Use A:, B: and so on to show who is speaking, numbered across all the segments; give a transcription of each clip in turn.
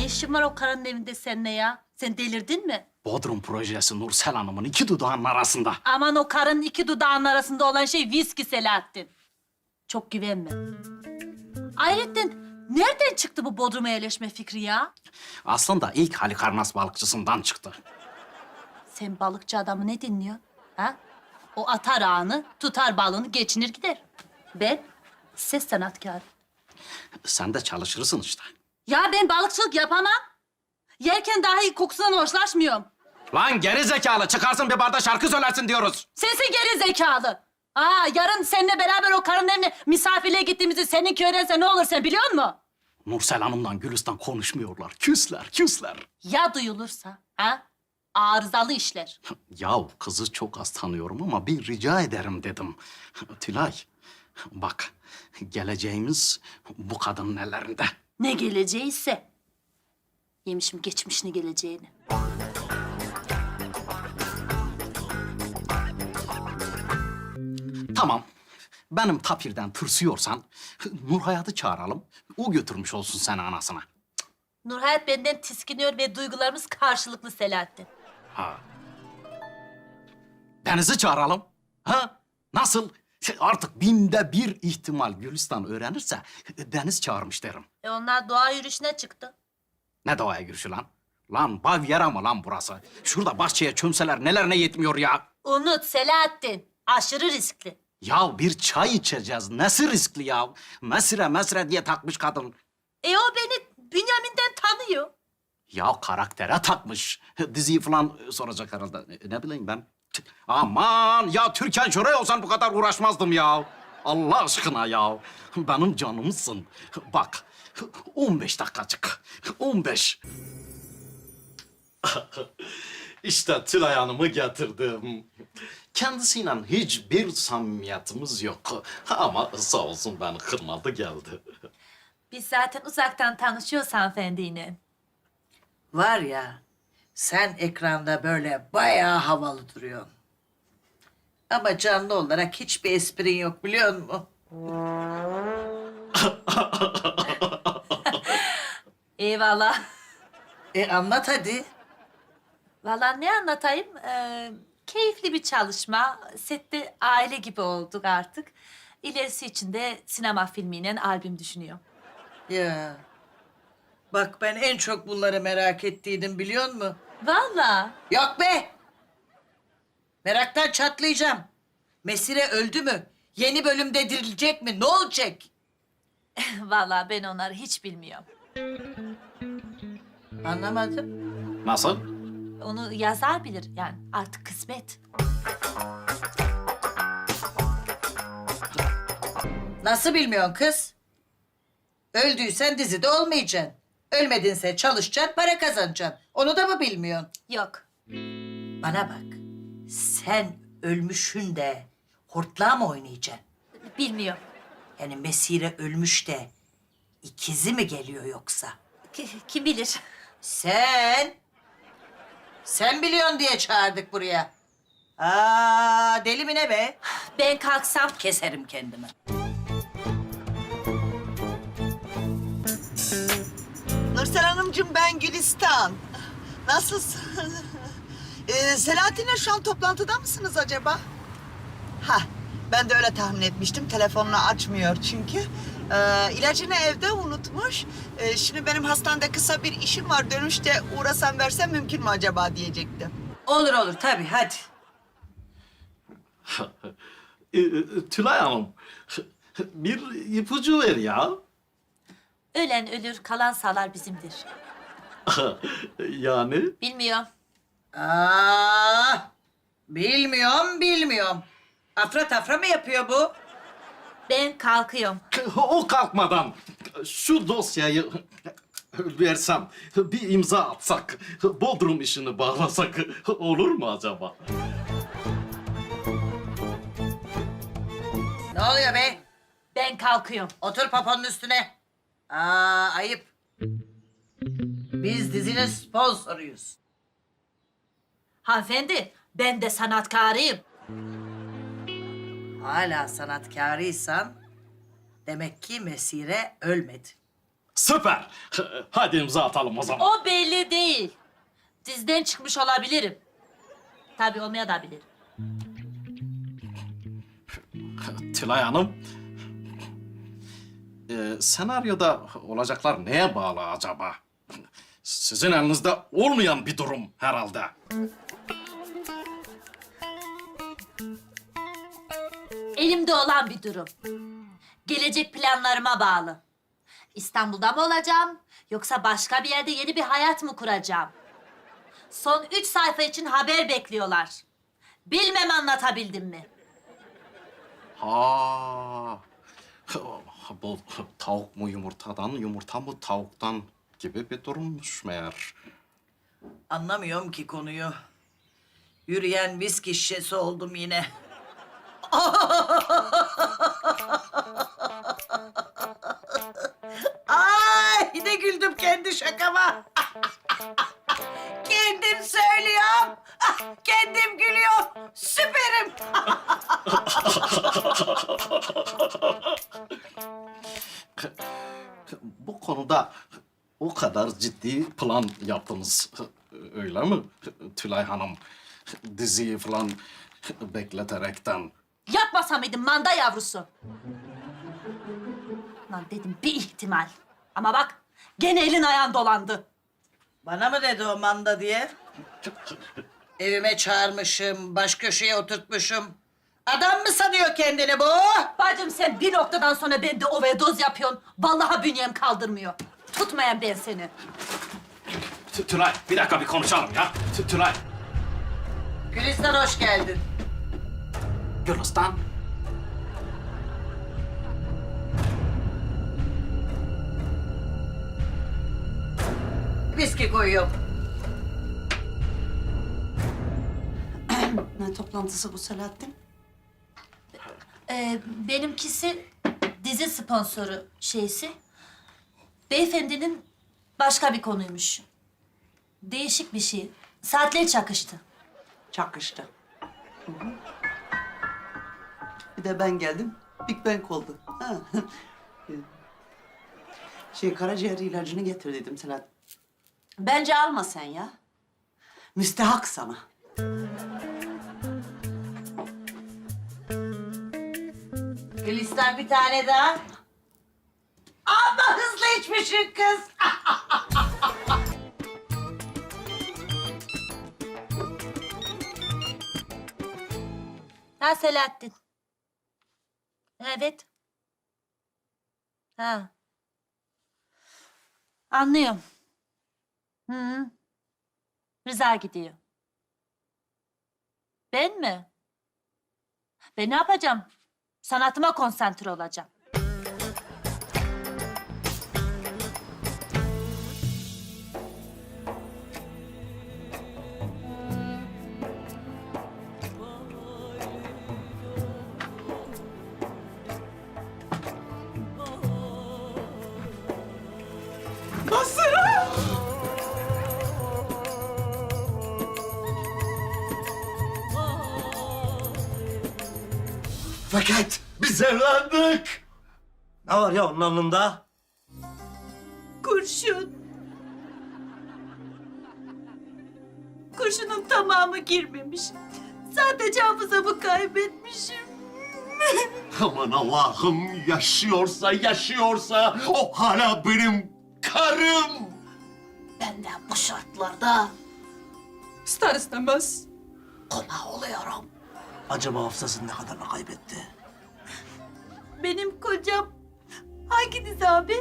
A: işin var o karının evinde seninle ya? Sen delirdin mi?
B: Bodrum projesi Nursel Hanım'ın iki dudağının arasında.
A: Aman o karının iki dudağının arasında olan şey viski Selahattin. Çok güvenme. Ayrıca nereden çıktı bu Bodrum'a yerleşme fikri ya?
B: Aslında ilk Halikarnas balıkçısından çıktı.
A: Sen balıkçı adamı ne dinliyorsun? Ha? O atar ağını, tutar balığını, geçinir gider. Ben ses sanatkarı.
B: Sen de çalışırsın işte.
A: Ya ben balıkçılık yapamam. Yerken dahi kokusundan hoşlaşmıyorum.
B: Lan geri zekalı çıkarsın bir barda şarkı söylersin diyoruz.
A: Sensin geri zekalı. Yarın seninle beraber o karının evine misafirliğe gittiğimizi seninki öğrense ne olur sen biliyor musun?
B: Nursel Hanım'la Gülistan konuşmuyorlar. Küsler.
A: Ya duyulursa? Arızalı işler.
B: Yahu kızı çok az tanıyorum ama bir rica ederim dedim. Tülay, bak geleceğimiz bu kadının ellerinde.
A: Ne geleceğiyse. Yemişim geçmişini geleceğini.
B: Tamam, benim tapirden tırsıyorsan Nurhayat'ı çağıralım. O götürmüş olsun seni anasına.
A: Nurhayat benden tiskiniyor ve duygularımız karşılıklı Selahattin.
B: Ha. Deniz'i çağıralım. Ha? Nasıl? Artık binde bir ihtimal Gülistan öğrenirse Deniz çağırmış derim.
A: Onlar doğa yürüyüşüne çıktı.
B: Ne doğaya girişi lan? Lan Bavyera mı lan burası? Şurada bahçeye çömseler nelerine yetmiyor ya?
A: Unut Selahattin. Aşırı riskli.
B: Ya bir çay içeceğiz. Nesi riskli ya? Mesire diye takmış kadın.
A: O beni Bünyamin'den tanıyor.
B: Ya karaktere takmış. Diziyi falan soracak herhalde. Ne bileyim ben. Aman ya Türkan Şoray olsan bu kadar uğraşmazdım ya. Allah aşkına ya. Benim canımsın. Bak 15 dakikacık. 15. İşte Tülay Hanım'ı getirdim. Kendisiyle hiçbir samimiyetimiz yok. Ama sağ olsun beni kırmadı geldi.
A: Biz zaten uzaktan tanışıyoruz hanımefendiyle.
C: Var ya, sen ekranda böyle bayağı havalı duruyorsun. Ama canlı olarak hiçbir esprin yok biliyor musun?
A: Eyvallah.
C: Anlat hadi.
A: Vallahi ne anlatayım? Keyifli bir çalışma. Sette aile gibi olduk artık. İlerisi için de sinema filmiyle albüm düşünüyorum.
C: Ya. Bak ben en çok bunları merak ettiydim biliyor musun?
A: Vallahi.
C: Yok be! Meraktan çatlayacağım. Mesire öldü mü? Yeni bölümde dirilecek mi? Ne olacak?
A: Vallahi ben onları hiç bilmiyorum.
C: Anlamadım.
B: Nasıl?
A: Onu yazar bilir yani artık kısmet.
C: Nasıl bilmiyorsun kız? Öldüysen dizide olmayacaksın. Ölmedinse çalışacaksın, para kazanacaksın. Onu da mı bilmiyorsun?
A: Yok.
C: Bana bak. Sen ölmüşün de hortlağı mı oynayacaksın?
A: Bilmiyorum.
C: Yani Mesire ölmüş de ikizi mi geliyor yoksa?
A: Kim bilir?
C: Sen biliyorsun diye çağırdık buraya. Deli mi ne be?
A: Ben kalksam
C: Keserim kendimi.
D: Nursel Hanımcığım ben Gülistan. Nasılsın? Selahattin'le şu an toplantıda mısınız acaba? Ben de öyle tahmin etmiştim. Telefonunu açmıyor çünkü. İlacını evde unutmuş. Şimdi benim hastanede kısa bir işim var. Dönüşte uğrasam versem mümkün mü acaba diyecektim.
C: Olur tabii hadi.
B: Tülay Hanım, bir ipucu ver ya.
A: ölen ölür, kalan sağlar bizimdir.
B: Yani?
A: Bilmiyorum.
C: Bilmiyorum. Afra tafra mı yapıyor bu?
A: Ben kalkıyorum.
B: O kalkmadan şu dosyayı versem, bir imza atsak, Bodrum işini bağlasak olur mu acaba?
C: Ne oluyor be?
A: Ben kalkıyorum.
C: Otur papanın üstüne. Ayıp. Biz dizinin sponsoruyuz.
A: Hanımefendi, ben de sanatkarıyım.
C: Hala sanatkarıysan demek ki Mesire ölmedi.
B: Süper. Hadi imza atalım o zaman.
A: O belli değil. Dizden çıkmış olabilirim. Tabii olmayabilirim.
B: Tülay Hanım, senaryoda olacaklar neye bağlı acaba? Sizin elinizde olmayan bir durum herhalde.
A: Elimde olan bir durum. Gelecek planlarıma bağlı. İstanbul'da mı olacağım yoksa başka bir yerde yeni bir hayat mı kuracağım? Son 3 sayfa için haber bekliyorlar. Bilmem anlatabildim mi?
B: Ha, bu tavuk mu yumurtadan, yumurta mı tavuktan gibi bir durummuş meğer.
C: Anlamıyorum ki konuyu. Yürüyen viski şişesi oldum yine. Ay ne güldüm kendi şakama. Kendim söylüyorum. Kendim gülüyorum. Süperim.
B: Bu konuda o kadar ciddi plan yaptınız, öyle mi Tülay Hanım? Diziyi falan bekleterekten.
A: Yapmasa mıydın manda yavrusu? Lan dedim bir ihtimal. Ama bak gene elin ayağın dolandı.
C: Bana mı dedi o manda diye? Evime çağırmışım, baş köşeye oturtmuşum. Adam mı sanıyor kendini bu?
A: Bacım sen bir noktadan sonra bende overdose yapıyorsun. Vallahi bünyem kaldırmıyor. Tutmayan ben seni.
B: Tülay, bir dakika bir konuşalım ya. Tülay.
C: Gülistan hoş geldin.
B: Gülistan.
C: Viski koyuyorum.
D: Ne toplantısı bu Selahattin?
A: Benimkisi dizi sponsoru şeysi. Beyefendinin başka bir konuymuş. Değişik bir şey. Saatleri çakıştı.
D: Çakıştı. Hı hı. Bir de ben geldim. Big Bang oldu. Ha. Karaciğer ilacını getir dedim Selahattin. Bence alma sen ya. Müstehak sana.
C: Gülistan bir tane daha. Ama hızlı içmişsin kız.
A: Ha Selahattin. Evet. Ha. Anlıyorum. Hı. Rıza gidiyor. Ben mi? Ben ne yapacağım? Sanatıma konsantre olacağım.
E: Fakat biz evlendik. Ne var ya onun alnında?
A: Kurşun. Kurşunun tamamı girmemiş. Sadece hafızamı kaybetmişim.
E: Aman Allah'ım, yaşıyorsa o hala benim karım.
C: Ben de bu şartlarda
F: İster istemez
C: koma oluyorum.
E: Acaba hafızasını ne kadarla kaybetti?
A: Benim kocam hangi dizi abi?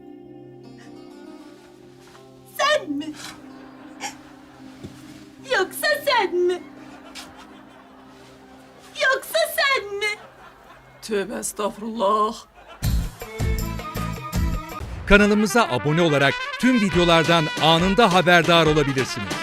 A: Sen mi? Yoksa sen mi? Yoksa sen mi?
F: tövbe estağfurullah.
G: Kanalımıza abone olarak tüm videolardan anında haberdar olabilirsiniz.